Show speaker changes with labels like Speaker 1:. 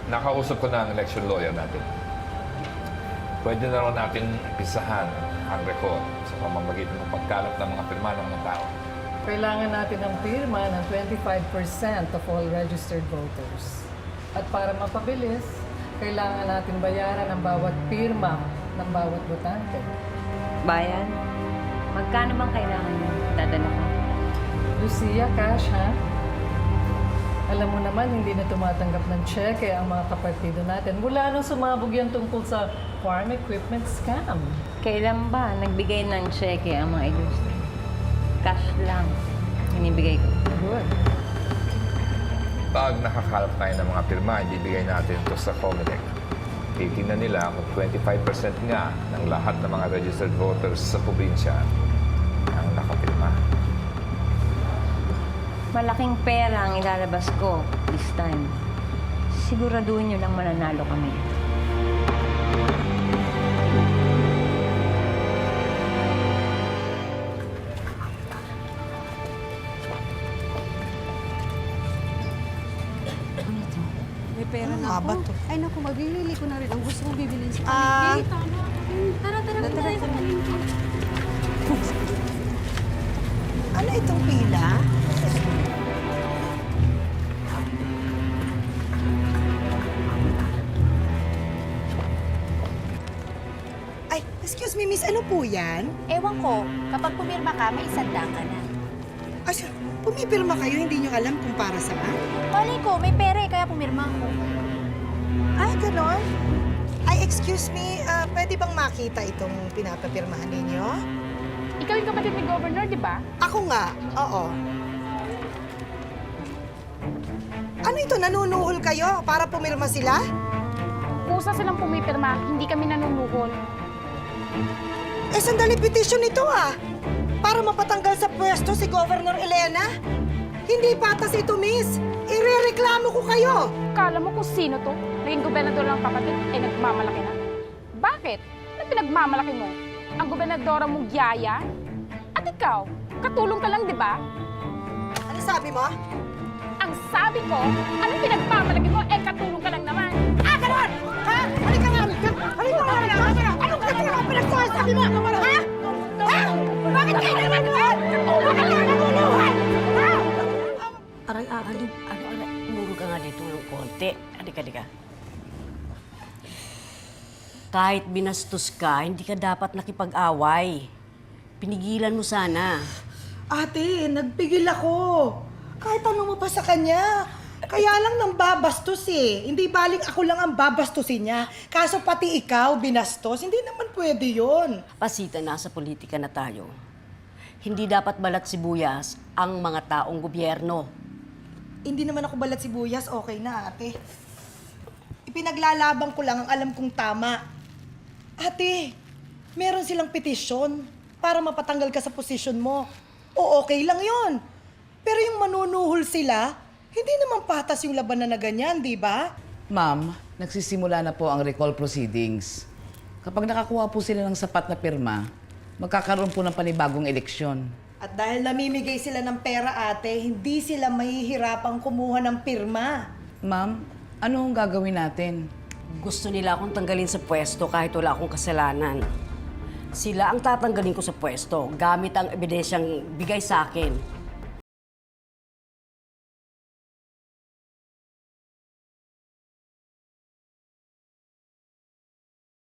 Speaker 1: Nakausap ko na ang election lawyer natin. Pwede na raw natin pisahan ang record sa pamamagitan ng pagkalap ng mga pirma ng mga tao.
Speaker 2: Kailangan natin ng pirma ng 25% of all registered voters. At para mapabilis, kailangan natin bayaran ang bawat pirma ng bawat botante.
Speaker 3: Bayan? Magkano bang kailangan niyo? Dadala ko.
Speaker 2: Lucia, cash ha? Alam mo naman, hindi na tumatanggap ng cheque ang mga kapartido natin mula nung sumabog yan tungkol sa farm equipment scam.
Speaker 3: Kailan ba nagbigay ng cheque ang mga ilustre? Cash lang. Inibigay ko.
Speaker 2: Good.
Speaker 1: Pag nakakalap tayo ng mga pirma, ibibigay natin ito sa COMELEC. Titingnan nila kung 25% nga ng lahat ng mga registered voters sa probinsya ang nakapirma.
Speaker 3: Malaking pera ang ilalabas ko this time. Siguraduhin niyo lang mananalo kami.
Speaker 4: May pera na
Speaker 5: Ano
Speaker 4: ako.
Speaker 5: ba to?
Speaker 4: Ay naku, magbibili ko na rin ang gusto kong bibilin sa
Speaker 5: Ah.
Speaker 4: palengke. Tara, tara, tara sa palengke.
Speaker 5: Ano itong pila? Ay, excuse me, miss, ano po yan?
Speaker 6: Ewan ko, kapag pumirma ka, may isandang ka na.
Speaker 5: Asya, pumipirma kayo, hindi nyo alam kung para saan?
Speaker 6: Malay ko, may pera eh, kaya pumirma ako.
Speaker 5: Ay, ganon? Ay, excuse me, pwede bang makita itong pinapapirmahan ninyo?
Speaker 6: Ikaw yung kapatid ni Governor, di ba?
Speaker 5: Ako nga, oo. Ano ito, nanunuhol kayo para pumirma sila?
Speaker 6: Kusa silang pumipirma, hindi kami nanunuhol.
Speaker 5: Eh, sandali petition ito para mapatanggal sa pwesto si Governor Elena. Hindi patas ito, miss. Irereklamo ko kayo.
Speaker 6: Kala mo kung sino to? Naging gobernador ng kapatid, eh nagmamalaki na. Bakit? Ano pinagmamalaki mo? Ang gobernadora mong Yaya? At ikaw, katulong ka lang, di ba?
Speaker 5: Ano sabi mo?
Speaker 6: Ang sabi ko, anong pinagmamalaki mo, eh katulong ka lang naman.
Speaker 5: Ah, ganon! Ha? Halika nga! Halika nga! Anong katulong ang pinagsasabi mo? Ha? Ha? Bakit kayo naman doon? Katulong ka lang natulungan! Ha?
Speaker 7: Aray, ano, umuro ka nga dito ng konti. Halika. Kahit binastos ka, hindi ka dapat nakipag-away. Pinigilan mo sana.
Speaker 5: Ate, nagpigil ako. Kahit ano mo pa sa kanya. Kaya lang nang babastos eh. Hindi baling ako lang ang babastusin niya. Kaso pati ikaw binastos, hindi naman pwede yon.
Speaker 7: Pasita, nasa politika na tayo. Hindi dapat balat sibuyas ang mga taong gobyerno.
Speaker 5: Hindi naman ako balat sibuyas, okay na ate. Ipinaglalaban ko lang ang alam kong tama. Ate, meron silang petisyon para mapatanggal ka sa posisyon mo. O okay lang yon. Pero yung manunuhol sila, hindi naman patas yung labanan na ganyan, di ba?
Speaker 8: Ma'am, nagsisimula na po ang recall proceedings. Kapag nakakuha po sila ng sapat na pirma, magkakaroon po ng panibagong eleksyon.
Speaker 5: At dahil namimigay sila ng pera, ate, hindi sila mahihirapang kumuha ng pirma.
Speaker 8: Ma'am, ano ang gagawin natin?
Speaker 7: Gusto nila akong tanggalin sa pwesto kahit wala akong kasalanan. Sila ang tatanggalin ko sa pwesto gamit ang ebidensyang bigay sa akin.